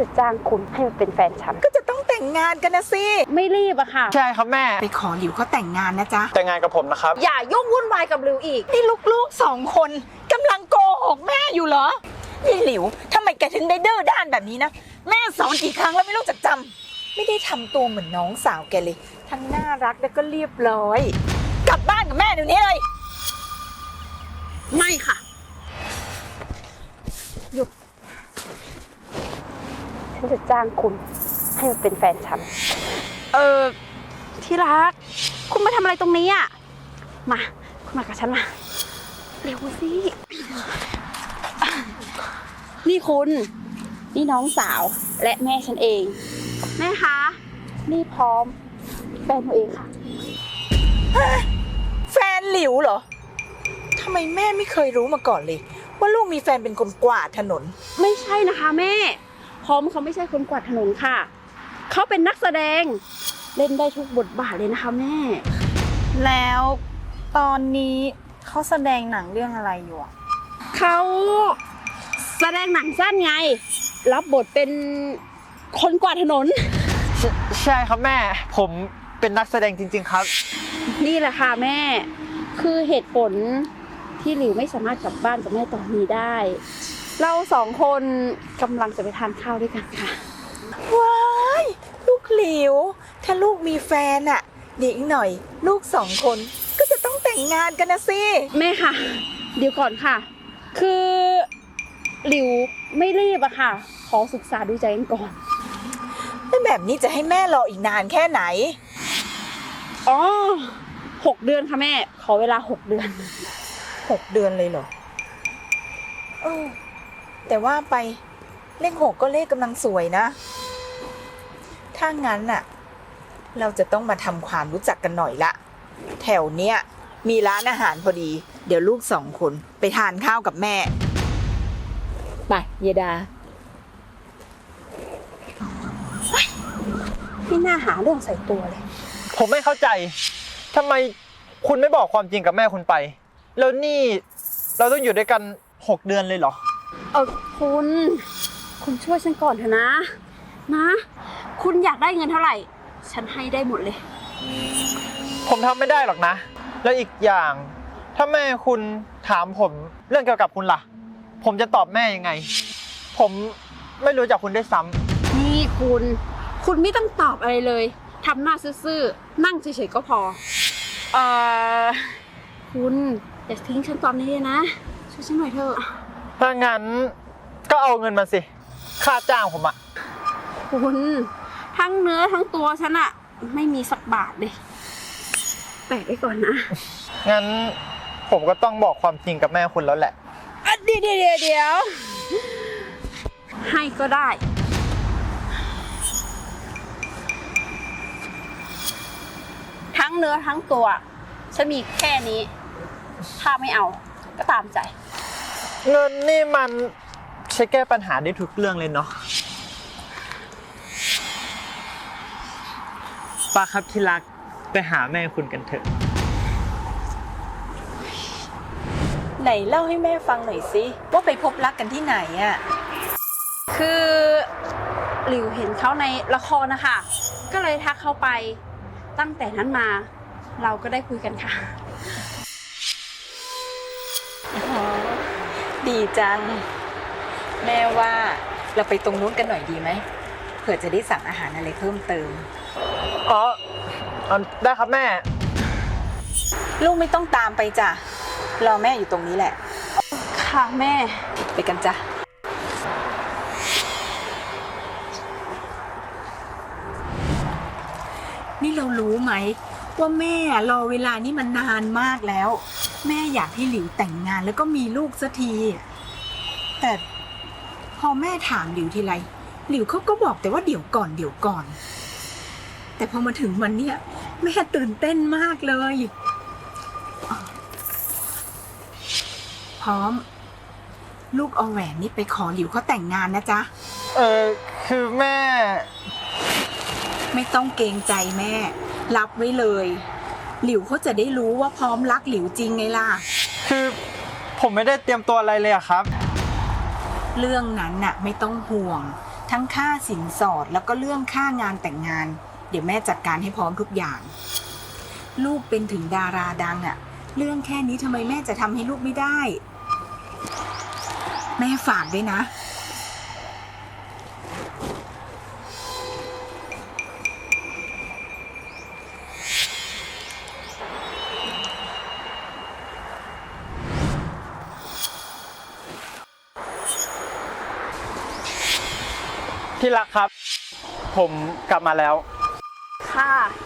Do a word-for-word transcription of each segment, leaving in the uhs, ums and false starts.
จะจ้างคุณให้มาเป็นแฟนฉันก็จะต้องแต่งงานกันนะสิไม่รีบอะค่ะใช่ครับแม่ไปขอหลิวเขาแต่งงานนะจ๊ะแต่งงานกับผมนะครับอย่ายุ่งวุ่นวายกับริวอีกนี่ลูกๆสองคนกำลังโกหกแม่อยู่เหรอนี่หลิวทำไมแกถึงได้ดื้อด้านแบบนี้นะแม่สอนกี่ครั้งแล้วไม่รู้จักจำไม่ได้ทำตัวเหมือนน้องสาวแกเลยทั้งน่ารักและก็เรียบร้อยกลับบ้านกับแม่เดี๋ยวนี้เลยไม่ค่ะหยุดฉันจะจ้างคุณให้มาเป็นแฟนฉันเออที่รักคุณมาทำอะไรตรงนี้อ่ะมาคุณมากับฉันมาเร็วสินี่คุณนี่น้องสาวและแม่ฉันเองแม่คะนี่พร้อมแฟนตัวเองค่ะแฟนหลิวเหรอทำไมแม่ไม่เคยรู้มาก่อนเลยว่าลูกมีแฟนเป็นคนกวาดถนนไม่ใช่นะคะแม่พร้อมเขาไม่ใช่คนกวาดถนนค่ะเขาเป็นนักแสดงเล่นได้ทุกบทบาทเลยนะคะแม่แล้วตอนนี้เขาแสดงหนังเรื่องอะไรอยู่อ่ะเขาแสดงหนังสั้นไงรับบทเป็นคนกวาดถนนใชใช่ครับแม่ผมเป็นนักแสดงจริงๆครับนี่แหละค่ะแม่คือเหตุผลที่หลิวไม่สามารถกลับบ้านกับแม่ตอนนี้ได้เราสองคนกำลังจะไปทานข้าวด้วยกันค่ะว้ายลูกหลิวถ้าลูกมีแฟนอะเดี๋ยวอีกหน่อยลูกสองคนก็จะต้องแต่งงานกันนะสิแม่ค่ะเดี๋ยวก่อนค่ะคือหลิวไม่รีบอะค่ะขอศึกษาดูใจกันก่อนแล้วแบบนี้จะให้แม่รออีกนานแค่ไหนอ๋อหกเดือนค่ะแม่ขอเวลาหกเดือนหกเดือนเลยเหรอเออแต่ว่าไปเลขหกก็เลขกำลังสวยนะถ้างั้นน่ะเราจะต้องมาทำความรู้จักกันหน่อยละแถวเนี้ยมีร้านอาหารพอดีเดี๋ยวลูกสองคนไปทานข้าวกับแม่ไปเยดาไม่น่าหาเรื่องใส่ตัวเลยผมไม่เข้าใจทำไมคุณไม่บอกความจริงกับแม่คุณไปแล้วนี่เราต้องอยู่ด้วยกันหกเดือนเลยเหรอเออคุณคุณช่วยฉันก่อนเถอะนะนะคุณอยากได้เงินเท่าไหร่ฉันให้ได้หมดเลยผมทำไม่ได้หรอกนะแล้วอีกอย่างถ้าแม่คุณถามผมเรื่องเกี่ยวกับคุณล่ะผมจะตอบแม่ยังไงผมไม่รู้จักคุณได้ซ้ำนี่คุณคุณไม่ต้องตอบอะไรเลยทำหน้าซื่อๆนั่งเฉยๆก็พอเอ่อคุณอย่าทิ้งฉันตอนนี้เลยนะช่วยฉันหน่อยเถอะถ้างั้นก็เอาเงินมาสิค่าจ้างผมอะคุณทั้งเนื้อทั้งตัวฉันอะไม่มีสักบาทเลยแปะไว้ก่อนนะงั้นผมก็ต้องบอกความจริงกับแม่คุณแล้วแหละเดี๋ยวเดี๋ยวเดี๋ยวให้ก็ได้ทั้งเนื้อทั้งตัวฉันมีแค่นี้ถ้าไม่เอาก็ตามใจเงินนี่มันใช้แก้ปัญหาได้ทุกเรื่องเลยเนาะป้าครับที่รักไปหาแม่คุณกันเถอะไหนเล่าให้แม่ฟังหน่อยสิว่าไปพบรักกันที่ไหนอ่ะคือหลิวเห็นเขาในละครนะคะก็เลยทักเขาไปตั้งแต่นั้นมาเราก็ได้คุยกันค่ะดีจังแม่ว่าเราไปตรงนู้นกันหน่อยดีไหมเผื่อจะได้สั่งอาหารอะไรเพิ่มเติมอ๋อได้ครับแม่ลูกไม่ต้องตามไปจ้ะรอแม่อยู่ตรงนี้แหละค่ะแม่ไปกันจ้ะนี่เรารู้ไหมว่าแม่รอเวลานี้มันนานมากแล้วแม่อยากให้หลิวแต่งงานแล้วก็มีลูกสักทีแต่พอแม่ถามหลิวทีไรหลิวเขาก็บอกแต่ว่าเดี๋ยวก่อนเดี๋ยวก่อนแต่พอมาถึงวันเนี้ยแม่ตื่นเต้นมากเลยพร้อมลูกเอาแหวนนี่ไปขอหลิวเขาแต่งงานนะจ๊ะเออคือแม่ไม่ต้องเกรงใจแม่รับไว้เลยหลิวเขาจะได้รู้ว่าพร้อมรักหลิวจริงไงล่ะคือผมไม่ได้เตรียมตัวอะไรเลยอะครับเรื่องนั้นน่ะไม่ต้องห่วงทั้งค่าสินสอดแล้วก็เรื่องค่างานแต่งงาน เดี๋ยวแม่จัดการให้พร้อมทุกอย่าง ลูกเป็นถึงดาราดังอะเรื่องแค่นี้ทำไมแม่จะทำให้ลูกไม่ได้ แม่ฝากด้วยนะที่รักครับ ผมกลับมาแล้วค่ะ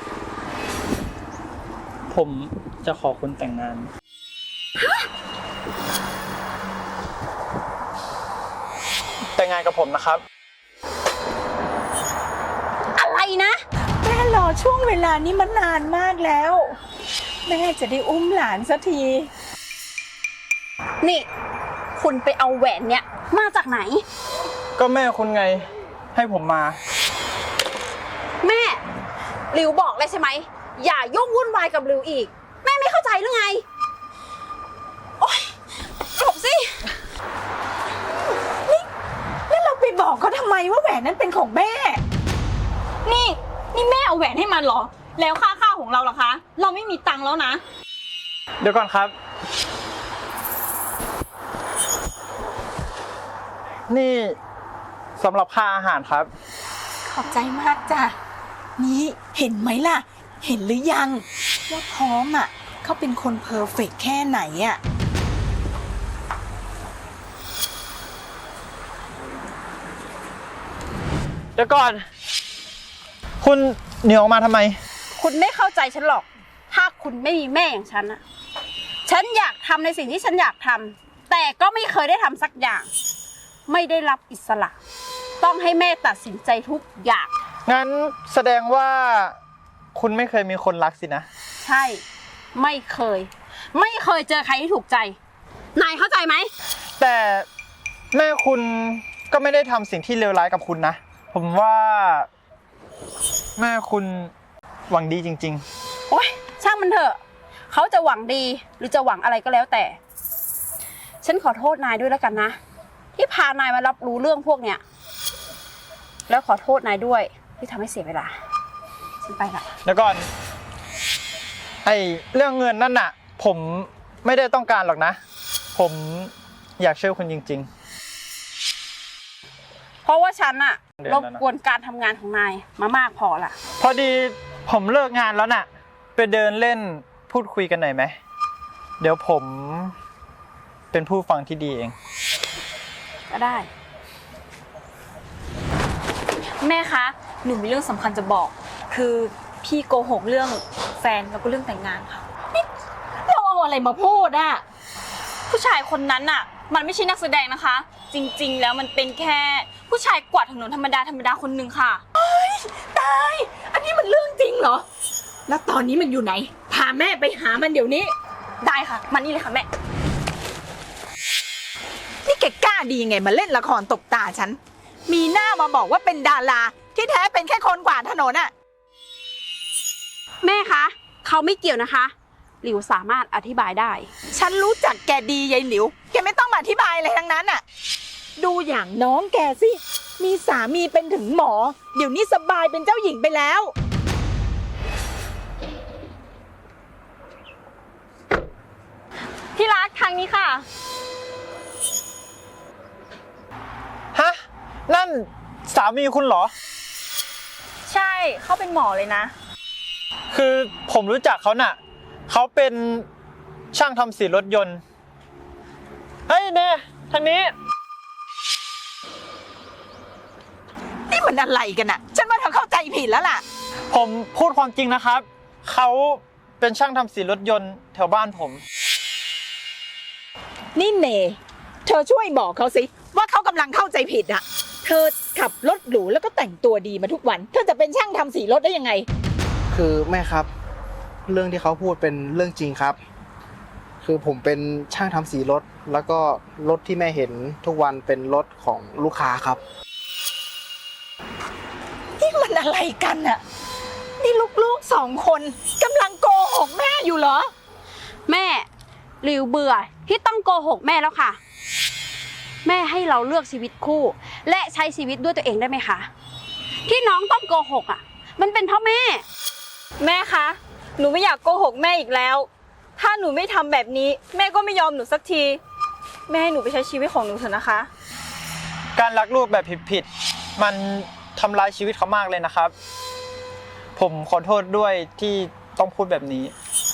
ผมจะขอคุณแต่งงาน แต่งงานกับผมนะครับอะไรนะแม่รอช่วงเวลานี้มานานมากแล้ว แม่จะได้อุ้มหลานสักทีนี่ คุณไปเอาแหวนเนี้ยมาจากไหนก็แม่คุณไงให้ผมมาแม่หลิวบอกเลยใช่ไหมอย่ายุ่งวุ่นวายกับหลิวอีก แม่ไม่เข้าใจหรือไง โอ๊ยหลบสิแล้วเราไปบอกเขาทำไมว่าแหวนนั้นเป็นของแม่นี่นี่แม่เอาแหวนให้มันเหรอ แล้วค่าข้าวของเราล่ะคะ เราไม่มีตังค์แล้วนะเดี๋ยวก่อนครับ นี่สำหรับค่าอาหารครับขอบใจมากจ้ะ นี่เห็นไหมล่ะ เห็นหรือยัง ว่าพร้อมอ่ะเขาเป็นคนเพอร์เฟกต์แค่ไหนอ่ะเดี๋ยวก่อน คุณเหนียวออกมาทำไมคุณไม่เข้าใจฉันหรอก ถ้าคุณไม่มีแม่อย่างฉันอะฉันอยากทำในสิ่งที่ฉันอยากทำแต่ก็ไม่เคยได้ทำสักอย่าง ไม่ได้รับอิสระ ต้องให้แม่ตัดสินใจทุกอย่างงั้นแสดงว่าคุณไม่เคยมีคนรักสินะใช่ ไม่เคย ไม่เคยเจอใครที่ถูกใจ นายเข้าใจไหมแต่แม่คุณก็ไม่ได้ทำสิ่งที่เลวร้ายกับคุณนะ ผมว่าแม่คุณหวังดีจริงโอ๊ย ช่างมันเถอะ เขาจะหวังดีหรือจะหวังอะไรก็แล้วแต่ ฉันขอโทษนายด้วยแล้วกันนะ ที่พานายมารับรู้เรื่องพวกเนี้ย แล้วขอโทษนายด้วยที่ทำให้เสียเวลา ฉันไปละๆ แล้วก่อน ไอเรื่องเงินนั่นน่ะ ผมไม่ได้ต้องการหรอกนะ ผมอยากช่วยคุณจริงเพราะว่าฉันอะเดี๋ยวรนะบกวนการทำงานของนายมามากพอละๆ พอดีผมเลิกงานแล้วน่ะ ไปเดินเล่นพูดคุยกันหน่อยไหม เดี๋ยวผมเป็นผู้ฟังที่ดีเองก็ได้แม่คะ หนูมีเรื่องสำคัญจะบอก คือพี่โกหกเรื่องแฟนแล้วก็เรื่องแต่งงานค่ะเราเอาอะไรมาพูดอ่ะผู้ชายคนนั้นน่ะ มันไม่ใช่นักแสดงนะคะ จริงๆ แล้วมันเป็นแค่ผู้ชายกวาดถนนธรรมดาธรรมดาคนหนึ่งค่ะตาย อันนี้มันเรื่องจริงเหรอ แล้วตอนนี้มันอยู่ไหน พาแม่ไปหามันเดี๋ยวนี้ได้ค่ะ มานี่เลยค่ะแม่นี่แกกล้าดีไงมาเล่นละครตบตาฉัน มีหน้ามาบอกว่าเป็นดาราที่แท้เป็นแค่คนกวาดถนนอ่ะแม่คะ เขาไม่เกี่ยวนะคะ หลิวสามารถอธิบายได้ฉันรู้จักแกดียายหลิว แกไม่ต้องมาอธิบายอะไรทั้งนั้นอ่ะ ดูอย่างน้องแกสิ มีสามีเป็นถึงหมอ เดี๋ยวนี้สบายเป็นเจ้าหญิงไปแล้วที่รักทางนี้ค่ะฮะ นั่นสามีคุณเหรอใช่เขาเป็นหมอเลยนะคือผมรู้จักเขาน่ะ เขาเป็นช่างทำสีรถยนต์ เฮ้ยเน่ทางนี้นี่มันอะไรกันอ่ะ ฉันว่าเธอเข้าใจผิดแล้วล่ะผมพูดความจริงนะครับ เขาเป็นช่างทำสีรถยนต์แถวบ้านผมนี่เนเธอช่วยบอกเขาสิว่าเขากำลังเข้าใจผิดอ่ะ เธอขับรถหรูแล้วก็แต่งตัวดีมาทุกวัน เธอจะเป็นช่างทำสีรถได้ยังไงคือแม่ครับ เรื่องที่เขาพูดเป็นเรื่องจริงครับ คือผมเป็นช่างทำสีรถ แล้วก็รถที่แม่เห็นทุกวันเป็นรถของลูกค้าครับนี่มันอะไรกันอ่ะ นี่ลูกๆสองคนกำลังโกหกแม่อยู่เหรอแม่หลิวเบื่อที่ต้องโกหกแม่แล้วค่ะ แม่ให้เราเลือกชีวิตคู่และใช้ชีวิตด้วยตัวเองได้ไหมคะ ที่น้องต้องโกหกอ่ะ มันเป็นเพราะแม่แม่คะ หนูไม่อยากโกหกแม่อีกแล้ว ถ้าหนูไม่ทำแบบนี้ แม่ก็ไม่ยอมหนูสักที แม่ให้หนูไปใช้ชีวิตของหนูเถอะนะคะการรักลูกแบบผิดๆมันทำร้ายชีวิตเขามากเลยนะครับ ผมขอโทษด้วยที่ต้องพูดแบบนี้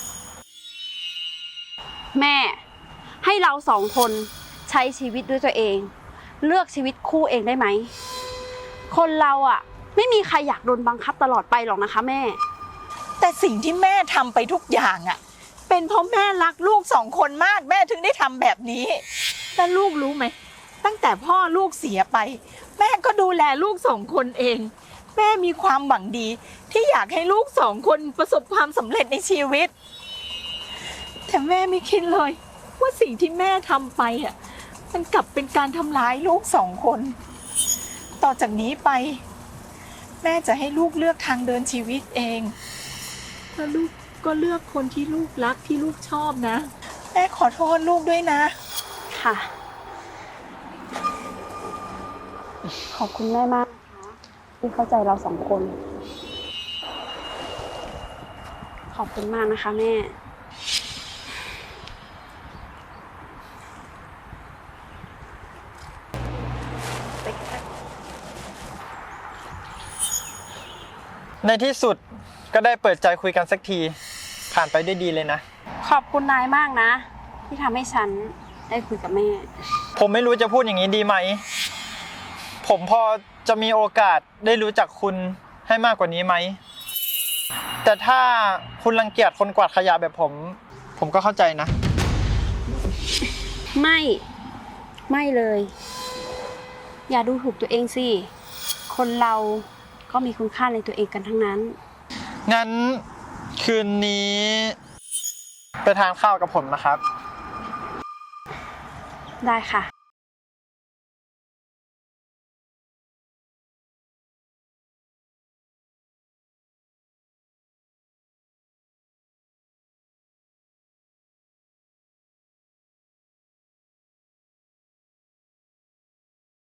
แม่ให้เราสองคนใช้ชีวิตด้วยตัวเอง เลือกชีวิตคู่เองได้ไหม คนเราอ่ะ ไม่มีใครอยากโดนบังคับตลอดไปหรอกนะคะแม่แต่สิ่งที่แม่ทำไปทุกอย่างอะเป็นเพราะแม่รักลูกสองคนมากแม่ถึงได้ทำแบบนี้แล้วลูกรู้ไหมตั้งแต่พ่อลูกเสียไป แม่ก็ดูแลลูกสองคนเอง แม่มีความหวังดีที่อยากให้ลูกสองคนประสบความสำเร็จในชีวิต แต่แม่ไม่คิดเลยว่าสิ่งที่แม่ทำไปอ่ะมันกลับเป็นการทำร้ายลูกสองคน ต่อจากนี้ไป แม่จะให้ลูกเลือกทางเดินชีวิตเองแล้วลูกก็เลือกคนที่ลูกรักที่ลูกชอบนะ แม่ขอโทษลูกด้วยนะค่ะ ขอบคุณแม่มากนะคะที่เข้าใจเราสองคน ขอบคุณมากนะคะแม่ในที่สุดก็ได้เปิดใจคุยกันสักที ผ่านไปด้วยดีเลยนะขอบคุณนายมากนะ ที่ทำให้ฉันได้คุยกับแม่ผมไม่รู้จะพูดอย่างนี้ดีไหม ผมพอจะมีโอกาสได้รู้จักคุณให้มากกว่านี้ไหม แต่ถ้าคุณรังเกียจคนกวาดขยะแบบผม ผมก็เข้าใจนะไม่ ไม่เลย อย่าดูถูกตัวเองสิ คนเราก็มีคุณค่าในตัวเองกันทั้งนั้นงั้นคืนนี้ ไปทานข้าวกับผมนะครับได้ค่ะ